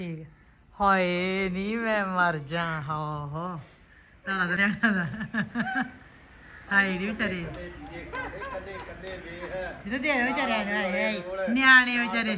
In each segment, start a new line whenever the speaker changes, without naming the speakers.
ਠੀਕ ਹਾਏ ਨਹੀਂ ਮੈਂ ਮਰ ਜਾ ਹੋ ਤਾਂ ਲੱਗ ਰਿਹਾ ਦਾ ਹਾਏ ਨਹੀਂ ਵਿਚਾਰੇ ਜਿਹਦੇ ਦੇ ਵਿਚਾਰੇ ਨਿਆਣੇ ਵਿਚਾਰੇ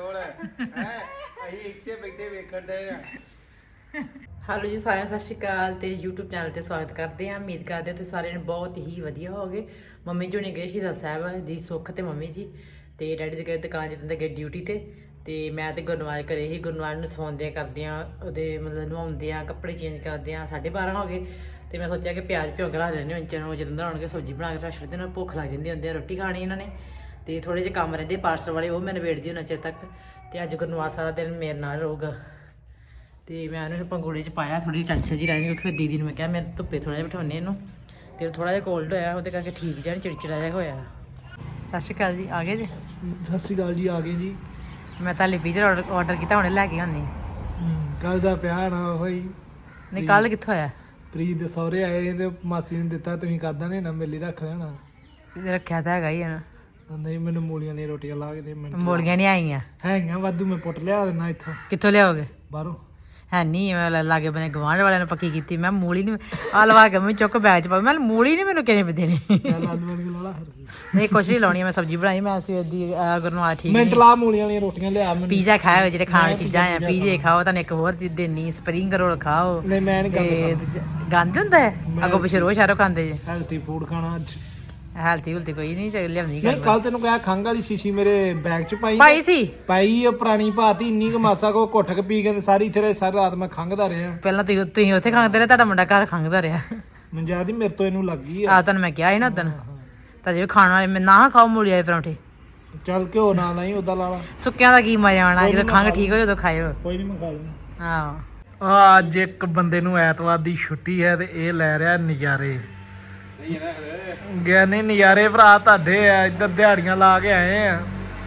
ਅਸੀਂ ਇੱਥੇ ਬੈਠੇ ਵੇਖਣ ਦੇ ਆ।
ਹੈਲੋ ਜੀ ਸਾਰਿਆਂ ਨੂੰ ਸਤਿ ਸ਼੍ਰੀ ਅਕਾਲ ਤੇ YouTube ਚੈਨਲ ਤੇ ਸਵਾਗਤ ਕਰਦੇ ਹਾਂ। ਉਮੀਦ ਕਰਦੇ ਹਾਂ ਤੁਸੀਂ ਸਾਰਿਆਂ ਨੇ ਬਹੁਤ ਹੀ ਵਧੀਆ ਹੋਗੇ। ਮੰਮੀ ਜੀ ਨੇ ਗਏ ਸ਼ਹੀਦਾਂ ਸਾਹਿਬ ਦੀ ਸੁੱਖ ਤੇ ਮੰਮੀ ਜੀ ਤੇ ਡੈਡੀ ਦੇ ਗਏ ਦੁਕਾਨ ਜਿੱਦਾਂ ਗਏ ਡਿਊਟੀ ਤੇ ਮੈਂ ਤੇ ਗੁਰਨਵਾਜ ਘਰੇ ਹੀ। ਗੁਰਨਵਾਜ ਨੂੰ ਸੌਂਦਿਆਂ ਕਰਦਿਆਂ ਉਹਦੇ ਮਤਲਬ ਨਵਾਉਂਦਿਆਂ ਕੱਪੜੇ ਚੇਂਜ ਕਰਦਿਆਂ 12:30 ਹੋ ਗਏ ਤੇ ਮੈਂ ਸੋਚਿਆ ਕਿ ਪਿਆਜ਼ ਭਿਓ ਕੇ ਰੱਖ ਦਿੰਦੇ ਹਾਂ ਚਨੋਂ ਜਦੋਂ ਆਉਣਗੇ ਸਬਜ਼ੀ ਬਣਾ ਕੇ ਰੱਖ ਛੱਡਦੇ ਨੇ। ਭੁੱਖ ਲੱਗ ਜਾਂਦੀ ਹੁੰਦੀ ਆ ਰੋਟੀ ਖਾਣੀ ਇਹਨਾਂ ਨੇ ਤੇ ਥੋੜੇ ਜਿਹੇ ਕੰਮ ਰਹਿੰਦੇ ਪਾਰਸਲ ਵਾਲੇ ਉਹ ਮੈਂ ਨਿਬੇੜਦੀ ਉਹਨਾਂ ਚਿਰ ਤੱਕ। ਤੇ ਅੱਜ ਗੁਰਨਵਾਜ ਸਾਰਾ ਦਿਨ ਮੇਰੇ ਨਾਲ ਰਹੂਗਾ ਤੇ ਮੈਂ ਉਹਨੂੰ ਪੰਗੂੜੇ 'ਚ ਪਾਇਆ ਥੋੜੀ ਟੈਨਸ਼ਨ ਜੀ ਰਹਿੰਦੀ ਕਿਉਂਕਿ ਦੀਦੀ ਨੂੰ ਮੈਂ ਕਿਹਾ ਮੈਂ ਧੁੱਪੇ ਥੋੜਾ ਜਿਹਾ ਬਿਠਾਉਂਦੇ ਇਹਨੂੰ ਤੇ ਥੋੜਾ ਜਿਹਾ ਕੋਲਡ ਹੋਇਆ ਉਹਦੇ ਕਰਕੇ ਠੀਕ ਜਿਹਾ ਚਿੜਚਿੜਾ ਜਿਹਾ ਹੋਇਆ। ਸਤਿ ਸ਼੍ਰੀ ਅਕਾਲ ਜੀ ਆ ਗਏ ਜੀ।
ਸਤਿ ਸ਼੍ਰੀ ਅਕਾਲ ਜੀ ਆ ਗਏ ਜੀ।
ਮੈਂ ਤਾਂ ਲਿਪੀਜਰ ਆਰਡਰ ਕੀਤਾ ਹੁਣੇ ਲੈ ਕੇ ਆਉਂਦੀ।
ਕੱਲ ਦਾ ਪਿਆ ਨਾ ਹੋਈ
ਨਹੀਂ ਕੱਲ ਕਿੱਥੋਂ ਆਇਆ?
ਪ੍ਰੀਤ ਦੇ ਸਹੁਰੇ ਆਏ ਤੇ ਮਾਸੀ ਨੇ ਦਿੱਤਾ ਤੁਸੀਂ ਕਰਦਾ ਨੇ ਨਾ ਮੇਲੇ ਰੱਖ ਲੈਣਾ
ਰੱਖਿਆ ਤਾਂ ਹੈਗਾ ਹੀ ਆ ਨਾ।
ਨਹੀਂ ਮੈਨੂੰ ਮੂਲੀਆਂ ਦੀਆਂ ਰੋਟੀਆਂ ਲਾ ਕੇ ਦੇ ਮੈਨੂੰ
ਮੂਲੀਆਂ ਨਹੀਂ ਆਈਆਂ
ਹੈਗੀਆਂ ਵਾਧੂ ਮੈਂ ਪੁੱਟ ਲਿਆ ਦੇਣਾ ਇੱਥੋਂ।
ਕਿੱਥੋਂ ਲਿਆਓਗੇ?
ਬਾਹਰੋਂ
ਹੈ ਨਹੀਂ ਮੈਂ ਲਾਗੇ ਬਨੇ ਗਵਾਂਢ ਵਾਲਿਆਂ ਨੇ ਪੱਕੀ ਕੀਤੀ। ਮੈਂ ਮੂਲੀ ਨਹੀਂ ਆ ਲਵਾ ਕੇ ਮੈਂ ਚੁੱਕ ਬੈਗ 'ਚ ਪਾ ਮੈਂ ਮੂਲੀ ਨਹੀਂ ਮੈਨੂੰ ਕਿਹਨੇ ਦੇਣੀ।
ਚੱਲ ਆਲੂ ਵਾਲੀ ਲਾ
ਨਹੀਂ ਕੁਛ ਨਹੀਂ ਲਾਉਣੀ ਮੈਂ ਸਬਜ਼ੀ ਬਣਾਈ ਮੈਂ ਸਵੇਰ ਦੀ ਗੁਰਨਵਾਲ ਠੀਕ
ਮਿੰਟ ਲਾ ਮੂਲੀਆਂ ਵਾਲੀਆਂ ਰੋਟੀਆਂ ਲਿਆ ਮੈਨੂੰ।
ਪੀਜ਼ਾ ਖਾਓ ਜਿਹੜੇ ਖਾਣ ਚੀਜ਼ਾਂ ਆ ਪੀਜ਼ੇ ਖਾਓ ਤੁਹਾਨੂੰ ਇੱਕ ਹੋਰ ਚੀਜ਼ ਦੇਣੀ ਸਪਰਿੰਗ ਰੋਲ ਖਾਓ।
ਨਹੀਂ ਮੈਂ ਨਹੀਂ
ਗੰਦ ਹੁੰਦਾ ਹੈ ਅੱਗੋਂ ਪਿੱਛੇ ਰੋਜ਼ ਸ਼ਹਿਰੋਂ ਖਾਂਦੇ ਜੇ।
ਹੈਲਥੀ ਫੂਡ ਖਾਣਾ ਅੱਜ
ਹੈਲਥੀ ਹੁਲਤੀ ਕੋਈ ਨਹੀਂ ਲਿਆਉਂਦੀ
ਨਹੀਂ ਕੱਲ ਤੈਨੂੰ ਕਿਹਾ ਖੰਘ ਵਾਲੀ ਸ਼ੀਸ਼ੀ ਮੇਰੇ ਬੈਗ 'ਚ
ਪਾਈ ਸੀ
ਪਾਈ ਉਹ ਪੁਰਾਣੀ ਭਾਤੀ ਇੰਨੀ ਕੁ ਮਾਸਾ ਕੋ ਘੁੱਟ ਕੇ ਪੀ ਕੇ ਸਾਰੀ ਤੇਰੇ ਸਾਰੀ ਰਾਤ ਮੈਂ ਖੰਘਦਾ ਰਿਹਾ।
ਪਹਿਲਾਂ ਤੁਸੀਂ ਉੱਥੇ ਖੰਘਦੇ ਰਹੇ ਤੁਹਾਡਾ ਮੁੰਡਾ ਘਰ ਖੰਘਦਾ ਰਿਹਾ।
ਮੈਨੂੰ ਯਾਦ ਹੀ ਮੇਰੇ ਤੋਂ ਇਹਨੂੰ ਲੱਗ ਗਈ
ਆ ਤੁਹਾਨੂੰ ਮੈਂ ਕਿਹਾ ਸੀ ਨਾ ਉਦੋਂ ਤਾਂ ਜੇ ਖਾਣ ਵਾਲੇ ਮੈਂ ਨਾ ਖਾਓ ਮੂਲੀ ਵਾਲੇ ਪਰੌਂਠੇ।
ਚੱਲ ਘਿਓ ਨਾ ਨਹੀਂ ਉਦਾਂ ਲਾ ਲਾ
ਸੁੱਕਿਆਂ ਦਾ ਕੀ ਮਜ਼ਾ ਆਉਣਾ ਜਦੋਂ ਖੰਘ ਠੀਕ ਹੋਏ ਉਦੋਂ ਖਾਇਓ।
ਕੋਈ ਨਹੀਂ ਮੈਂ ਖਾ ਲੂੰ।
ਆਹੋ
ਅੱਜ ਇੱਕ ਬੰਦੇ ਨੂੰ ਐਤਵਾਰ ਦੀ ਛੁੱਟੀ ਹੈ ਤੇ ਇਹ ਲੈ ਰਿਹਾ ਨਜ਼ਾਰੇ। ਗਿਆ ਨਹੀਂ ਨਜ਼ਾਰੇ ਭਰਾ ਤੁਹਾਡੇ ਆ ਇੱਧਰ ਦਿਹਾੜੀਆਂ ਲਾ ਕੇ ਆਏ ਆ।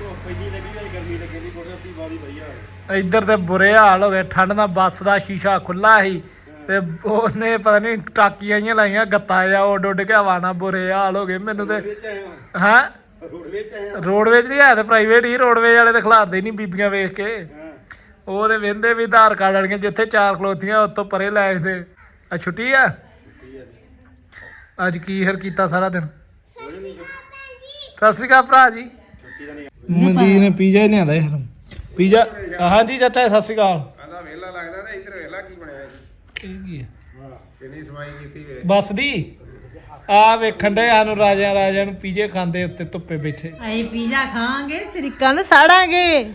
ਇੱਧਰ ਤੇ ਬੁਰੇ ਹਾਲ ਹੋ ਗਏ ਠੰਡ ਦਾ ਬੱਸ ਦਾ ਸ਼ੀਸ਼ਾ ਖੁੱਲਾ ਸੀ ਤੇ ਉਹਨੇ ਪਤਾ ਨਹੀਂ ਟਾਕੀਆਂ ਜਿਹੀਆਂ ਲਾਈਆਂ ਗੱਤਾ ਜਾ ਉੱਡ ਉੱਡ ਕੇ ਹਵਾ ਨਾਲ ਬੁਰੇ ਹਾਲ ਹੋ ਗਏ ਮੈਨੂੰ ਤੇ। ਹਾਂ ਰੋਡਵੇਜ ਨਹੀਂ ਹੈ ਤੇ ਪ੍ਰਾਈਵੇਟ ਹੀ ਰੋਡਵੇਜ ਵਾਲੇ ਤੇ ਖਿਲਾਰਦੇ ਨਹੀਂ ਬੀਬੀਆਂ ਵੇਖ ਕੇ। ਉਹ ਤੇ ਵਹਿੰਦੇ ਵੀ ਆਧਾਰ ਕਾਰਡ ਵਾਲੀਆਂ ਜਿੱਥੇ 4 ਖਲੋਤੀਆਂ ਉੱਤੋਂ ਪਰੇ ਲੈ ਜਾਂਦੇ। ਆ ਛੁੱਟੀ ਆ ਅੱਜ ਕੀ ਹਰ ਕੀਤਾ ਸਾਰਾ ਦਿਨ। ਸਤਿ ਸ੍ਰੀ ਅਕਾਲ ਭਰਾ ਜੀ। ਮਨਦੀਪ ਨੇ ਪੀਜ਼ਾ ਲਿਆਂਦਾ ਯਾਰ ਪੀਜ਼ਾ। ਹਾਂਜੀ ਚਾਚਾ ਸਤਿ ਸ੍ਰੀ ਅਕਾਲ।
ਆਂਦਾ ਵੇਲਾ ਲੱਗਦਾ ਤੇ ਇੱਧਰ ਵੇਲਾ ਕੀ ਬਣਿਆ
ਇਹ ਕੀ ਹੈ?
ਹਾਂ ਕਿੰਨੀ ਸਫਾਈ ਕੀਤੀ ਵੇ
ਬੱਸ ਦੀ ਆ ਵੇਖਣ ਦੇ ਸਾਨੂੰ ਰਾਜਿਆਂ ਨੂੰ ਪੀਜ਼ੇ ਖਾਂਦੇ ਉੱਤੇ ਧੁੱਪੇ ਬੈਠੇ।
ਅਸੀਂ ਪੀਜ਼ਾ ਖਾਵਾਂਗੇ ਤਰੀਕਾਂ ਨਾਲ ਸਾੜਾਂਗੇ।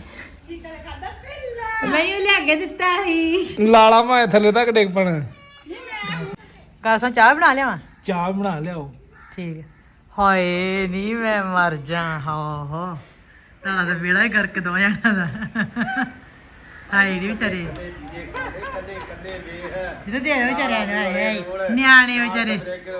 ਨਹੀਂ ਲਿਆ ਕੇ ਦਿੱਤਾ ਸੀ
ਲਾਲਾ ਮਾਏ ਥੱਲੇ ਤੱਕ ਡਿੱਗ ਪਣ।
ਕਾਸਾਂ ਚਾਹ ਬਣਾ ਲਿਆਵਾਂ?
ਚਾਹ ਬਣਾ ਲਿਆਓ।
ਠੀਕ ਹੈ। ਹਾਏ ਨਹੀਂ ਮੈਂ ਮਰ ਜਾ ਹੋ ਤਾਂ ਤਾਂ ਬੇੜਾ ਹੀ ਕਰਕੇ ਦੋ ਜਾਣਾ ਦਾ। ਹਾਏ ਨਹੀਂ ਵਿਚਾਰੇ ਜਿਹਦੇ ਦੇ ਵਿਚਾਰੇ ਨਿਆਣੇ ਵਿਚਾਰੇ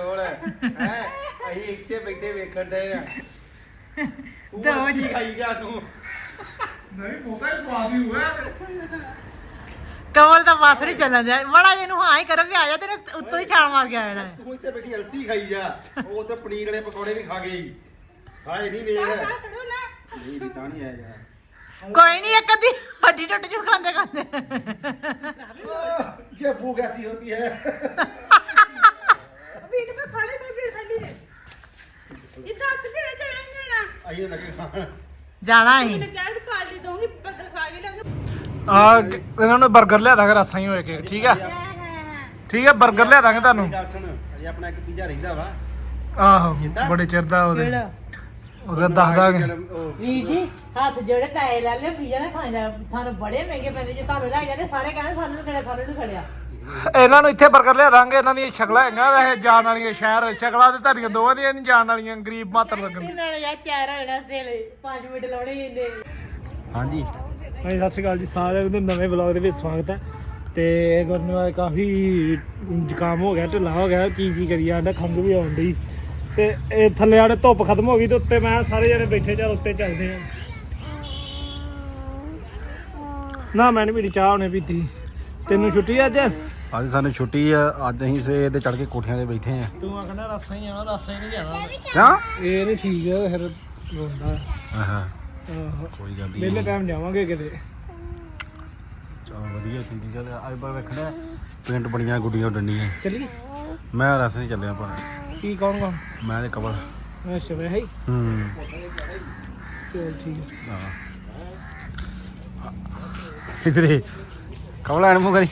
ਅਸੀਂ ਇੱਥੇ ਬੈਠੇ ਵੇਖਣ ਦੇ ਆ।
ਦੋ
ਖਾਈ ਜਾ ਤੂੰ। ਨਹੀਂ ਪੋਤਾ ਹੀ ਸਵਾਦ ਹੀ ਹੋਇਆ।
ਕਮਲ ਤਾਂ ਬਸ ਨਹੀਂ ਚੱਲਣ ਦਿਆ ਬੜਾ ਇਹਨੂੰ ਹਾਂ ਹੀ ਕਰ ਵੀ ਆ ਜਾ ਤੇਰੇ ਉੱਤੋਂ ਹੀ ਛਾਲ ਮਾਰ ਕੇ ਆ ਜਾਣਾ।
ਤੂੰ ਇੱਥੇ ਬੈਠੀ ਅਲਸੀ ਖਾਈ ਜਾ। ਉਹ ਤੇ ਪਨੀਰ ਵਾਲੇ ਪਕੌੜੇ ਵੀ ਖਾ ਗਈ। ਹਾਏ ਨਹੀਂ ਵੇਖ ਨਹੀਂ ਤਾਂ ਨਹੀਂ ਆਇਆ ਯਾਰ।
ਕੋਈ ਨਹੀਂ ਇੱਕ ਅੱਧੀ ਹੱਡੀ ਟੁੱਟ ਜੂ ਖਾਂਦੇ ਖਾਂਦੇ।
ਜੇ ਭੂਖ ਐਸੀ ਹੋਤੀ ਹੈ।
अभी तो मैं खाने से फिर ठंडी है इतना से फिर जाना
ਆਈਏ ਲੱਗੇ ਖਾਣ।
ਜਾਣਾ ਹੀ
मैंने क्या तो पार्टी दूंगी बदल खा के लोगे
ਆ ਇਹਨਾਂ ਨੂੰ 버ਗਰ ਲਿਆ ਦਾਂਗੇ ਰਸਾਂ ਹੀ ਹੋਏ ਕੇ ਠੀਕ ਆ ਠੀਕ ਆ 버ਗਰ ਲਿਆ ਦਾਂਗੇ ਤੁਹਾਨੂੰ।
ਗੱਲ ਸੁਣ ਅਜੇ ਆਪਣਾ ਇੱਕ ਪੀਜ਼ਾ ਰਹਿੰਦਾ ਵਾ
ਆਹੋ ਬੜੇ ਚਿਰ ਦਾ ਉਹਦੇ ਉਹਦਾ ਦੱਸ ਦਾਂਗੇ।
ਵੀਰ ਜੀ ਹੱਥ ਜਿਹੜੇ ਪੈਸੇ ਲੈ ਲੈ ਪੀਜ਼ਾ ਨਾ ਖਾਣਾ ਤੁਹਾਨੂੰ ਬੜੇ ਮਹਿੰਗੇ ਪੈਂਦੇ ਜੇ ਤੁਹਾਨੂੰ ਲੈ ਜਾਂਦੇ ਸਾਰੇ ਕਹਿੰਦੇ ਸਾਨੂੰ ਖੜਿਆ ਸਾਨੂੰ ਨਹੀਂ ਖੜਿਆ।
ਇਹਨਾਂ ਨੂੰ ਇੱਥੇ 버ਗਰ ਲਿਆ ਦਾਂਗੇ। ਇਹਨਾਂ ਦੀਆਂ ਸ਼ਕਲਾਂ ਹੈਗੀਆਂ ਵੈਸੇ ਜਾਣ ਵਾਲੀਆਂ ਸ਼ਹਿਰ ਸ਼ਕਲਾਂ ਤੇ ਤੁਹਾਡੀਆਂ ਦੋਵਾਂ ਦੀਆਂ ਨਹੀਂ ਜਾਣ ਵਾਲੀਆਂ ਗਰੀਬ ਮਾਤਰ ਲੱਗਣ।
ਇਹਨਾਂ ਨੇ ਯਾਰ ਚਾਰ ਹੋਣਾ ਸੇਲੇ 5 ਮਿੰਟ ਲਾਉਣੇ ਇਹਨੇ।
ਹਾਂਜੀ
ਹਾਂਜੀ ਸਤਿ ਸ਼੍ਰੀ ਅਕਾਲ ਜੀ ਸਾਰਿਆਂ ਨੂੰ ਨਵੇਂ ਵਲੌਗ ਦੇ ਵਿੱਚ ਸਵਾਗਤ ਹੈ। ਤੇ ਗੁਰਨਵਾਜ ਕਾਫੀ ਜ਼ੁਕਾਮ ਹੋ ਗਿਆ ਢਿੱਲਾ ਹੋ ਗਿਆ ਕੀ ਕਰੀ ਜਾਂਦਾ ਖੰਘ ਵੀ ਆਉਣ ਡਈ ਤੇ ਇਹ ਥੱਲੇ ਆੜੇ ਧੁੱਪ ਖਤਮ ਹੋ ਗਈ ਤੇ ਉੱਤੇ ਮੈਂ ਸਾਰੇ ਜਣੇ ਬੈਠੇ ਚੱਲ ਉੱਤੇ ਚੱਲਦੇ ਆ। ਨਾ ਮੈਂ ਨੀ ਪੀਤੀ ਚਾਹ ਉਹਨੇ ਪੀਤੀ। ਤੈਨੂੰ ਛੁੱਟੀ ਅੱਜ?
ਅੱਜ ਸਾਨੂੰ ਛੁੱਟੀ ਆ ਅੱਜ ਅਸੀਂ ਸਵੇਰ ਦੇ ਚੜ ਕੇ ਕੋਠਿਆਂ ਤੇ ਬੈਠੇ ਆ।
ਤੂੰ ਆਖਣਾ ਰਸਾ ਹੀ ਜਾਣਾ ਰਸਾ ਹੀ ਨਹੀਂ ਜਾਣਾ।
ਕਿਉਂ
ਇਹ ਨਹੀਂ ਠੀਕ ਹੈ ਫਿਰ ਰੋਂਦਾ।
ਆਹਾ
ਆਹੋ
ਕੋਈ ਗੱਲ ਨਹੀਂ
ਵਿਹਲੇ ਟਾਈਮ ਜਾਵਾਂਗੇ ਕਿਤੇ।
ਚਲ ਵਧੀਆ ਚੀਜ਼ ਚੱਲ ਅੱਜ ਬਾਰ ਵੇਖਣਾ ਪਿੰਡ ਬੜੀਆਂ ਗੁੱਡੀਆਂ ਡੰਡੀਆਂ
ਚੱਲੀਏ
ਮੈਂ ਰਸਤੇ 'ਚ ਚੱਲਿਆ ਪਰ
ਕੀ ਕੌਣ
ਮੈਂ ਤੇ ਕਬਲ
ਅੱਛਾ ਵੇ ਹੈ ਚਲ ਠੀਕ ਹੈ
ਇਧਰੇ ਕਬਲ ਆਣ ਮੂੰਹ ਕਰੀ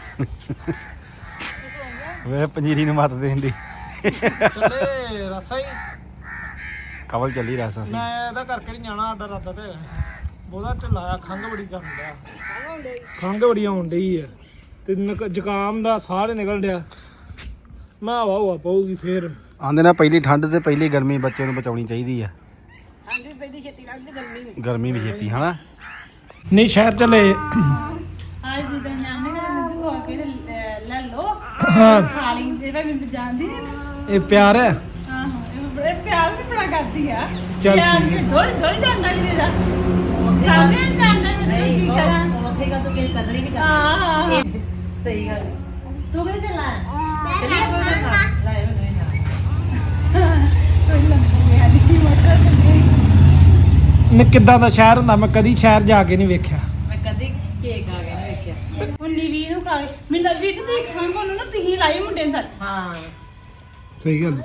ਵੇ ਪੰਜੀਰੀ ਨੂੰ ਮੱਤ ਦੇਂਦੀ
ਚੱਲੇ ਰਸਾ ਹੀ
ਕਬਲ ਚੱਲੀ ਰਸਾ ਸੀ
ਮੈਂ ਇਹਦਾ ਕਰਕੇ ਨਹੀਂ ਜਾਣਾ ਸਾਡਾ ਰਾਤਾ ਤੇ ਬਹੁਤਾ ਢਿੱਲਾ ਖੰਘ ਬੜੀ ਕਰਨ ਡਿਆ ਖੰਘ ਬੜੀ ਆਉਣ ਡਈ ਆ ਤੇ ਜ਼ੁਕਾਮ ਦਾ ਸਾਹ ਨਿਕਲ ਡਿਆ ਮੈਂ ਹਵਾ ਪਊਗੀ ਫੇਰ
ਆਂਦੇ ਨਾ ਪਹਿਲੀ ਠੰਡ ਤੇ ਪਹਿਲੀ ਗਰਮੀ ਬੱਚੇ ਨੂੰ ਬਚਾਉਣੀ ਚਾਹੀਦੀ ਆ ਗਰਮੀ ਵੀ ਛੇਤੀ ਹਨਾ
ਨਹੀਂ ਸ਼ਹਿਰ ਚਲੇ
आज दीदा नाने का मुझे सो के ले लो
हाँ।
खा लेंगे भाई मैं जानती नहीं
ਇਹ ਪਿਆਰ ਹੈ
हां हां बड़े प्यार से बड़ा करती है
चल
प्यार
ठीक
के डोल डोल जानता नहीं दीदा सामने जानता मैं तो की करा
ਉੱਥੇ ਕਾ ਤੂੰ ਕਿਸੇ ਕਦਰ ਹੀ ਨਹੀਂ
हां हां
ਸਹੀ ਗੱਲ ਤੂੰ ਕਿੱਥੇ ਚੱਲਾ
चलिए
ਲੈ ਮੈਨੂੰ ਨਾ
कोई लंबा मैं देखी मोटर
ਨੇ ਕਿੱਦਾਂ ਦਾ ਸ਼ਹਿਰ ਹੁੰਦਾ ਮੈਂ ਕਦੀ ਸ਼ਹਿਰ ਜਾ ਕੇ ਨਹੀਂ ਵੇਖਿਆ
ਮੈਂ ਕਦੇ ਕੇਕ ਆ ਗਿਆ ਨਹੀਂ ਵੇਖਿਆ
ਹੁਣ ਨੀਵੀ ਨੂੰ ਖਾ ਮੈਨੂੰ ਵੀਟ ਤੇ ਖਾਂਗਾ ਉਹਨੂੰ ਨਾ ਤੁਸੀਂ ਲਾਈ ਮੁੰਡੇ ਨੂੰ ਸੱਚ
ਹਾਂ
ਸਹੀ ਗੱਲ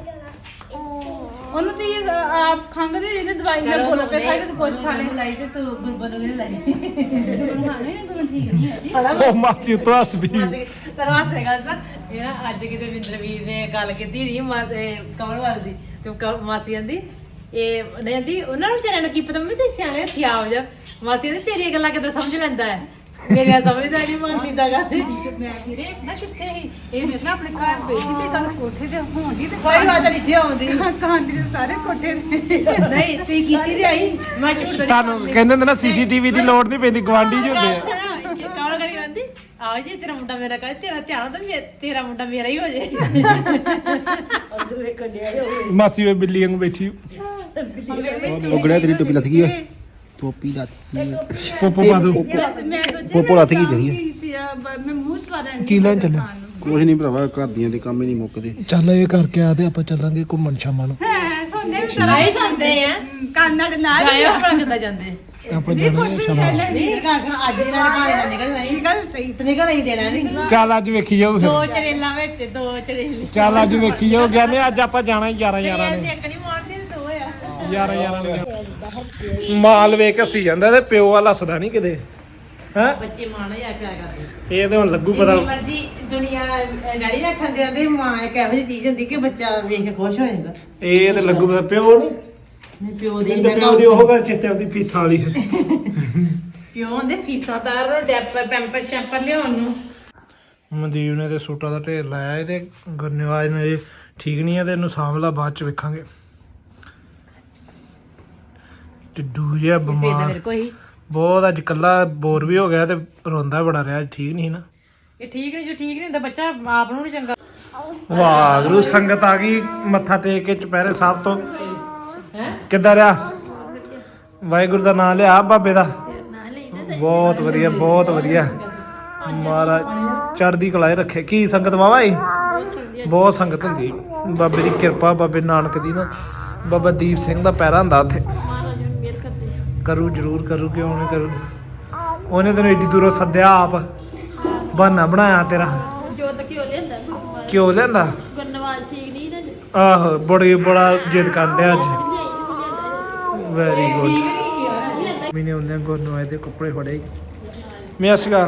ਉਹਨੂੰ ਤੁਸੀਂ ਆਪ ਖੰਗ ਦੇ ਇਹਦੇ ਦਵਾਈ ਨਾਲ ਬੋਲ ਪਏ ਖਾਈ ਤੇ ਕੁਝ ਖਾ ਲੈ
ਲਾਈ ਤੇ ਤੂੰ ਗੁਰਬਨ ਨੂੰ ਨਹੀਂ ਲਾਈ
ਗੁਰੂ ਖਾਣੇ ਗੁਰੂ ਠੀਕ ਨਹੀਂ ਹੈ ਜੀ
ਉਹ ਮਾਸੀ ਉੱਤੋਂ ਹੱਸ ਪਈ
ਤਰਵਾ ਸੇਗਾ ਸਾ ਇਹ ਨਾ ਅੱਜ ਕਿਤੇ ਵਿੰਦਰਵੀਰ ਨੇ ਗੱਲ ਕੀਤੀ ਨਹੀਂ ਕਮਲਵਾਲ ਦੀ ਤੇ ਮਾਸੀ ਕਹਿੰਦੀ ਇਹ ਨਹੀਂ ਕਹਿੰਦੀ ਉਹਨਾਂ ਨੂੰ ਵਿਚਾਰਿਆਂ ਨੂੰ ਕੀ ਪਤਾ ਮੈਂ ਤੇ ਸਿਆਣੇ ਹੱਥੀ ਆਉ ਜਾ ਮਾਸੀ ਕਹਿੰਦੀ ਤੇਰੀਆਂ ਗੱਲਾਂ ਕਿੱਦਾਂ ਸਮਝ ਲੈਂਦਾ ਹੈ ਮੇਰੀਆਂ ਸਮਝਦਾ ਨਹੀਂ ਮਾਸੀ ਦਾ ਗੱਲ
ਮੈਂ ਵੀਰੇ ਨਾ ਕਿੱਥੇ ਸੀ ਇਹ ਮੇਰੇ ਨਾਲ ਆਪਣੇ ਘਰ ਬੈਠੀ ਤੇ ਗੱਲ ਕੋਠੇ ਤੇ ਹੋਣੀ ਤੇ
ਕੋਈ ਬਾਤ ਨਹੀਂ ਇੱਥੇ ਆਉਂਦੀ
ਕਾਂਦੀ ਦੇ ਸਾਰੇ ਕੋਠੇ ਤੇ
ਨਹੀਂ ਤੂੰ ਕੀਤੀ ਤੇ ਆਈ ਮੈਂ ਝੂਠ ਤਾਂ
ਤੁਹਾਨੂੰ ਕਹਿੰਦੇ ਹੁੰਦੇ ਨਾ ਸੀਸੀਟੀਵੀ ਦੀ ਲੋੜ ਨਹੀਂ ਪੈਂਦੀ ਗਵਾਂਢੀ ਜੀ ਹੁੰਦੇ ਆ
ਕਾਲ ਕਰੀ ਕਹਿੰਦੀ ਆਓ ਜੀ ਤੇਰਾ ਮੁੰਡਾ ਮੇਰਾ ਕਹੇ ਤੇਰਾ ਧਿਆਨ ਤਾਂ ਤੇਰਾ ਮੁੰਡਾ ਮੇਰਾ ਹੀ ਹੋ ਜੇ ਉਧਰ ਵੇਖੋ ਨਿਆ
ਮਾਸੀ ਵੇ ਬਿੱਲੀ ਵਾਂਗ ਬੈਠੀ
ਉਗੜਿਆ ਤੇਰੀ ਟੋਪੀ ਲੱਥ ਗਈ ਓਏ ਟੋਪੀ ਲੱਥ ਗਈ
ਪੋਪੋ ਪਾ ਦੋ
ਮੈਂ ਸੋਚਿਆ
ਪੋਪੋ ਲੱਥ ਗਈ ਤੇਰੀ
ਮੈਂ ਮੂੰਹ ਸਵਾਰਨ
ਕੀ ਲੈਣ ਚੱਲੇ
ਕੁਝ ਨਹੀਂ ਭਰਾਵਾ ਘਰ ਦੀਆਂ ਦੇ ਕੰਮ ਹੀ ਨਹੀਂ ਮੁੱਕਦੇ
ਚੱਲ ਇਹ ਕਰਕੇ ਆ ਤੇ ਆਪਾਂ ਚੱਲਾਂਗੇ ਘੁੰਮਣ ਸ਼ਾਮਾਂ ਨੂੰ
ਹੈ ਸੌਂਦੇ ਵੀ ਤਰ੍ਹਾਂ ਹੀ ਸੌਂਦੇ ਆ ਕੰਨਾਂ ਦੇ ਨਾਲ ਹੀ
ਜਾਇਓ ਆਪਣਾ ਕਿੱਦਾਂ ਜਾਂਦੇ
ਆਪਾਂ ਜਾਣਾ ਸ਼ਾਮਾਂ ਨੂੰ
ਨਹੀਂ ਕਾਸ਼ ਅੱਜ ਇਹਨਾਂ ਦੇ ਭਾਣੇ ਦਾ ਨਿਕਲਣਾ ਹੀ
ਗੱਲ ਸਹੀ
ਤੇ ਨਿਕਲ ਹੀ ਦੇਣਾ ਨਹੀਂ
ਚੱਲ ਅੱਜ ਵੇਖੀ ਜਾਓ ਫਿਰ
ਦੋ ਚਰੇਲਾਂ ਵਿੱਚ ਦੋ ਚਰੇਲੇ
ਚੱਲ ਅੱਜ ਵੇਖੀ ਜਾਓ ਕਹਿੰਦੇ ਅੱਜ ਆਪਾਂ ਜਾਣਾ ਹੀ 11 ਨੇ
ਇੱਕ ਨਹੀਂ ਮਾਰਦੀ ਤੇ ਦੋ ਆ
11 ਨੇ ਮਾਲ ਵੇਖ ਕੇ ਹੱਸੀ ਜਾਂਦਾ ਤੇ ਪਿਓ ਵਾਲਾ ਹੱਸਦਾ ਨਹੀਂ ਕਿਤੇ ਹੈ
ਬੱਚੇ ਮਾਣਾ ਜਾ ਕੇ ਕਰਦੇ
ਇਹ ਤੇ ਹੁਣ ਲੱਗੂ ਪਤਾ
ਜਿੰਨੀ ਮਰਜੀ ਦੁਨੀਆ ਲੜੀ ਰੱਖਣ ਦੇ ਆਂਦੇ ਮਾਂ ਇੱਕ ਇਹੋ ਜਿਹੀ ਚੀਜ਼ ਹੁੰਦੀ ਕਿ ਬੱਚਾ ਵੇਖ ਕੇ ਖੁਸ਼ ਹੋ ਜਾਂਦਾ
ਇਹ ਤੇ ਲੱਗੂ ਪਤਾ ਪਿਓ ਨਹੀਂ
ਨਹੀਂ ਪਿਓ ਦੀ
ਤੇ ਪਿਓ ਦੀ ਉਹ ਗੱਲ ਚਿੱਤੇ ਆਉਂਦੀ ਫੀਸਾਂ ਵਾਲੀ
ਪਿਓ ਦੇ ਫੀਸਾਂ ਤਾਰ ਨੂੰ ਡੈਪਰ ਪੈਂਪਰ ਸ਼ੈਂਪਰ ਲਿਆਉਣ ਨੂੰ
ਮਨਦੀਪ ਨੇ ਤੇ ਸੂਟਾਂ ਦਾ ਢੇਰ ਲਾਇਆ ਇਹ ਤੇ ਗੁਰਨਿਵਾਜ ਨੇ ਇਹ ਠੀਕ ਨਹੀਂ ਹੈ ਤੇ ਇਹਨੂੰ ਸਾਂਭਲਾ ਬਾਅਦ ਚ ਵੇਖਾਂਗੇ ਟਿੱਡੂ ਜਿਹਾ
ਸਵੇਰ ਦਾ
ਬਿਮਾਰ
ਮੇਰੇ ਕੋਈ
ਬਹੁਤ ਅੱਜ ਕੱਲਾ ਬੋਰ ਵੀ ਹੋ ਗਿਆ ਤੇ ਰੋਂਦਾ ਬੜਾ ਰਿਹਾ ਠੀਕ ਨਹੀਂ ਨਾ
ਇਹ ਠੀਕ ਨਹੀਂ ਜੋ ਠੀਕ ਨਹੀਂ ਹੁੰਦਾ ਬੱਚਾ ਆਪ ਨੂੰ ਨਹੀਂ ਚੰਗਾ
ਵਾਹਿਗੁਰੂ ਸੰਗਤ ਆ ਗਈ ਮੱਥਾ ਟੇਕ ਕੇ ਚੁਪਹਿਰੇ ਸਾਹਿਬ ਤੋਂ
ਹੈ
ਕਿੱਦਾਂ ਰਿਹਾ ਵਾਹਿਗੁਰੂ ਦਾ ਨਾਮ ਲਿਆ ਬਾਬੇ ਦਾ ਬਹੁਤ ਵਧੀਆ ਬਹੁਤ ਵਧੀਆ ਮਹਾਰਾਜ ਚੜ੍ਹਦੀ ਕਲਾ 'ਚ ਰੱਖੇ ਕੀ ਸੰਗਤ ਵਾਵਾ ਈ ਬਹੁਤ ਸੰਗਤ ਹੁੰਦੀ ਬਾਬੇ ਦੀ ਕਿਰਪਾ ਬਾਬੇ ਨਾਨਕ ਦੀ ਨਾ ਬਾਬਾ ਦੀਪ ਸਿੰਘ ਦਾ ਪੈਰਾ ਹੁੰਦਾ ਉੱਥੇ ਕਰੂ ਜ਼ਰੂਰ ਕਰੂ ਕਿਉਂ ਨਹੀਂ ਕਰੂ ਉਹਨੇ ਤੈਨੂੰ ਏਡੀ ਦੂਰੋਂ ਸੱਦਿਆ ਆਪ ਬਹਾਨਾ ਬਣਾਇਆ ਤੇਰਾ
ਜੋਤ ਕਿਉਂ ਲੈਂਦਾ
ਕਿਉਂ ਲੈਂਦਾ
ਗੁਰਨਵਾਲ ਠੀਕ ਨਹੀਂ ਨਾ
ਆਹੋ ਬੜਾ ਜਿੱਦ ਕਰਦੇ ਅੱਜ ਵੈਰੀ ਗੁੱਡ ਮੈਨੇ ਉਹਨੇ ਗੁਰਨਵਾਜ ਦੇ ਕੱਪੜੇ ਫੜੇ ਮੈਂ ਅਸਗਾ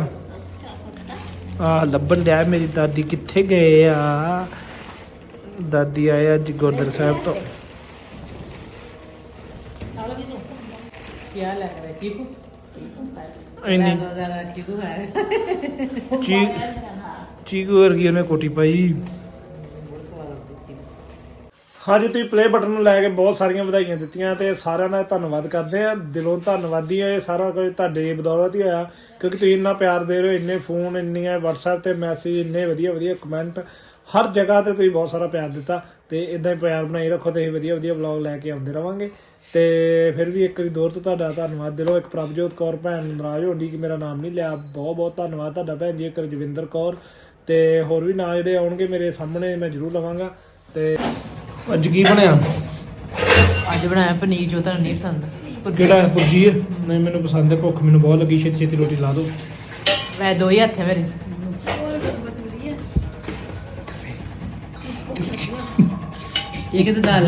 ਆ ਲੱਭਣ ਡਿਆ ਮੇਰੀ ਦਾਦੀ ਕਿੱਥੇ ਗਏ ਆ ਦਾਦੀ ਆਏ ਅੱਜ ਗੁਰਦੁਆਰਾ ਸਾਹਿਬ ਤੋਂ
ਕੀ ਹਾਲ ਹੈ ਚੀਕੂ
ਇੰਨੀ
ਚੀਕੂ ਹੈ
ਚੀਕੂ ਵਰਗੀ ਉਹਨੇ ਕੋਟੀ ਪਾਈ ਹਾਂਜੀ ਤੁਸੀਂ ਪਲੇ ਬਟਨ ਨੂੰ ਲੈ ਕੇ ਬਹੁਤ ਸਾਰੀਆਂ ਵਧਾਈਆਂ ਦਿੱਤੀਆਂ ਤੇ ਸਾਰਿਆਂ ਦਾ ਧੰਨਵਾਦ ਕਰਦੇ ਆ ਦਿਲੋਂ ਧੰਨਵਾਦੀ ਆ ਇਹ ਸਾਰਾ ਕੁਝ ਤੁਹਾਡੇ ਬਦੌਲਤ ਹੀ ਹੋਇਆ ਕਿਉਂਕਿ ਤੁਸੀਂ ਇੰਨਾ ਪਿਆਰ ਦੇ ਰਹੇ ਹੋ ਇੰਨੇ ਫੋਨ ਇੰਨੀਆਂ WhatsApp ਤੇ ਮੈਸੇਜ ਇੰਨੇ ਵਧੀਆ ਕਮੈਂਟ ਹਰ ਜਗ੍ਹਾ ਤੇ ਤੁਸੀਂ ਬਹੁਤ ਸਾਰਾ ਪਿਆਰ ਦਿੱਤਾ ਤੇ ਇਦਾਂ ਹੀ ਪਿਆਰ ਬਣਾਈ ਰੱਖੋ ਤੇ ਅਸੀਂ ਵਧੀਆ ਵਲੌਗ ਲੈ ਕੇ ਆਉਂਦੇ ਰਵਾਂਗੇ ਤੇ ਫਿਰ ਵੀ ਇੱਕ ਵਾਰੀ ਦੌਰ ਤੋਂ ਤੁਹਾਡਾ ਧੰਨਵਾਦ ਦਿਲੋਂ ਇੱਕ ਪ੍ਰਭਜੋਤ ਕੌਰ ਭੈਣ ਨਾਰਾਜ਼ ਹੋਣੀ ਕਿ ਮੇਰਾ ਨਾਮ ਨਹੀਂ ਲਿਆ ਬਹੁਤ ਧੰਨਵਾਦ ਤੁਹਾਡਾ ਭੈਣ ਜੀ ਇੱਕ ਰਜਵਿੰਦਰ ਕੌਰ ਤੇ ਹੋਰ ਵੀ ਨਾਂ ਜਿਹੜੇ ਆਉਣਗੇ ਮੇਰੇ ਸਾਹਮਣੇ ਮੈਂ ਜ਼ਰੂਰ ਲਵਾਂਗਾ ਤੇ ਅੱਜ ਕੀ ਬਣਿਆ
ਅੱਜ ਬਣਾਇਆ ਪਨੀਰ ਜੋ ਤੁਹਾਨੂੰ ਨਹੀਂ ਪਸੰਦ
ਕਿਹੜਾ ਪੁਰਜੀ ਹੈ ਨਹੀਂ ਮੈਨੂੰ ਪਸੰਦ ਹੈ ਭੁੱਖ ਮੈਨੂੰ ਬਹੁਤ ਲੱਗੀ ਛੇਤੀ ਰੋਟੀ ਲਾ ਦਿਓ
ਮੈਂ ਦੋ ਹੀ ਹੱਥ ਹੈ ਮੇਰੇ ਇਹ ਕਿਤੇ ਦਾਲ